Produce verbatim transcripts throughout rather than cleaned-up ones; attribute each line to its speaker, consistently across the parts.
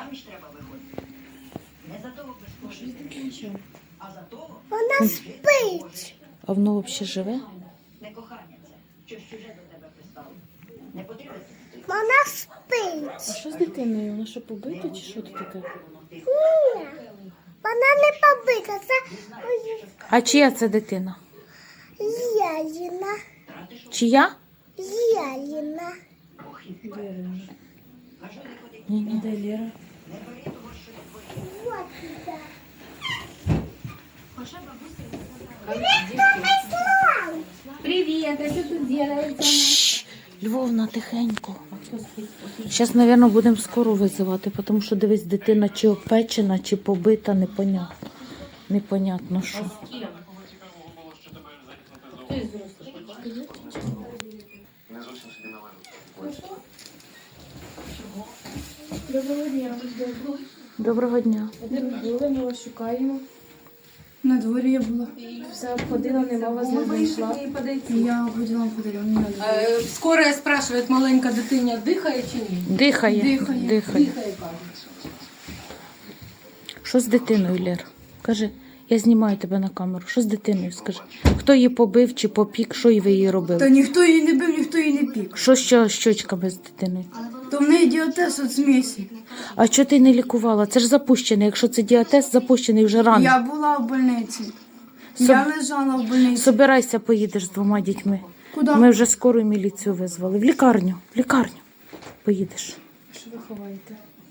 Speaker 1: Заміж треба виходити. Не за того безкоштовно, а за того,
Speaker 2: Вона спить.
Speaker 3: А воно взагалі живе?
Speaker 1: не кохання це, щось чуже до тебе пристало. Не потрібно.
Speaker 2: Вона спить.
Speaker 3: А що з дитиною? Вона що, побита чи що це таке?
Speaker 2: Ні. Вона не побита. Це
Speaker 3: А чия це дитина?
Speaker 2: Яліна.
Speaker 3: Чия?
Speaker 2: Яліна.
Speaker 3: Ні, ні, де Лера?
Speaker 2: Вот сюда.
Speaker 4: Привет, а что тут делается?
Speaker 3: Шш, Львовна, тихенько. Зараз, мабуть, будемо скоро визивати, тому що, дивись, дитина чи опечена, чи побита, непонятно. Непонятно, що.
Speaker 4: Доброго дня.
Speaker 3: Доброго дня.
Speaker 4: Були, ми вас шукаємо. На дворі я була. Все обходила, нема вас не знайшла. Я ходила, ходила, не надо. Скоро спрашивает, маленька дитиня дихає чи ні?
Speaker 3: Дихає.
Speaker 4: Дихає.
Speaker 3: Дихає.
Speaker 4: Дихає, кажуть.
Speaker 3: Що з дитиною, Лер? Кажи, я знімаю тебе на камеру. Що з дитиною, скажи? Хто її побив чи попік, що і ви її
Speaker 5: Та
Speaker 3: робили?
Speaker 5: ніхто її не бив, ніхто її не пік.
Speaker 3: Що з щочками з дитиною?
Speaker 5: То в неї діатез від смісі.
Speaker 3: А чого ти не лікувала? Це ж запущений. Якщо це діатез, запущений вже рано.
Speaker 5: Я була в больниці.
Speaker 3: Соб-
Speaker 5: Я лежала в больниці.
Speaker 3: Собирайся, поїдеш з двома дітьми.
Speaker 5: Куди?
Speaker 3: Ми вже скору міліцію визвали. В лікарню. В лікарню. Поїдеш.
Speaker 4: Що ви ховаєте?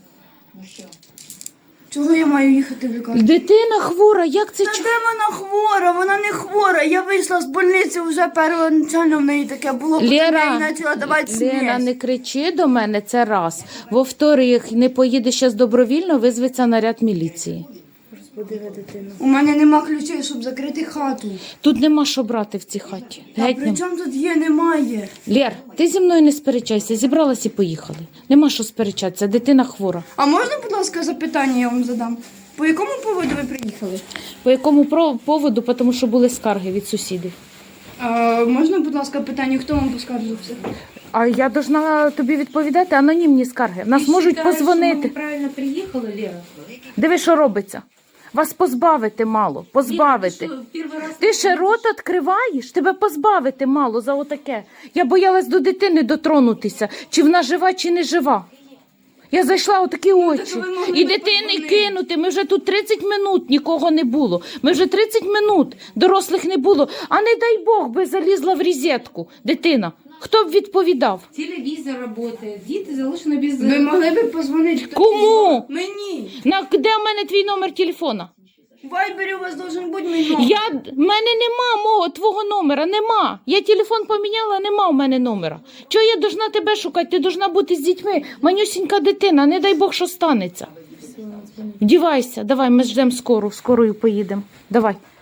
Speaker 5: Чого я маю їхати в лікарню?
Speaker 3: Дитина хвора, як це?
Speaker 5: Та
Speaker 3: чу-
Speaker 5: де вона хвора? Вона не хвора. Я вийшла з больниці, вже первоначально в неї таке було, потім я
Speaker 3: Лера,
Speaker 5: їй почала давати
Speaker 3: Лера,
Speaker 5: смесь.
Speaker 3: не кричи до мене, це раз. Во-вторых, не поїдеш зараз добровільно, визветься наряд міліції.
Speaker 4: Розбудила дитину.
Speaker 5: У мене нема ключей, щоб закрити хату.
Speaker 3: Тут нема що брати в цій хаті.
Speaker 5: Та
Speaker 3: Геть
Speaker 5: при
Speaker 3: нема.
Speaker 5: чому тут є, немає?
Speaker 3: Лєр, ти зі мною не сперечайся, зібралась і поїхали. Нема що сперечатися, дитина хвора.
Speaker 5: А можна, будь ласка, запитання я вам задам? По якому поводу ви приїхали?
Speaker 3: По якому про- поводу? Тому що були скарги від сусідів.
Speaker 5: А, можна, будь ласка, питання, хто вам поскаржився?
Speaker 3: А я должна тобі відповідати анонімні скарги. Нас можуть позвонити.
Speaker 4: Правильно приїхали, Лера?
Speaker 3: Диви, що робиться. Вас позбавити мало, позбавити.
Speaker 4: Лера, ти що, перший раз
Speaker 3: Ти ще рот відкриваєш, тебе позбавити мало за отаке. Я боялась до дитини дотронутися, чи вона жива, чи не жива. Я зайшла у такі очі.
Speaker 5: ви могли
Speaker 3: І
Speaker 5: би
Speaker 3: дитини
Speaker 5: подзвонити.
Speaker 3: кинути. Ми вже тут тридцять минут нікого не було. Ми вже тридцять минут дорослих не було. А не дай Бог би залізла в розетку дитина. Хто б відповідав?
Speaker 4: телевізор працює, діти залишені без...
Speaker 5: Ви могли б позвонити? хтось
Speaker 3: Кому?
Speaker 5: із вас? Мені.
Speaker 3: На, де в мене твій номер телефона?
Speaker 5: В Вайбері у вас должен бути мій номер.
Speaker 3: Я, в мене нема мого твого номера, нема. Я телефон поміняла, нема в мене номера. Чого я должна тебе шукати? Ти должна бути з дітьми. Манюсінька дитина, не дай Бог, що станеться. Вдівайся, давай, ми ждемо скору, скорою поїдемо. Давай.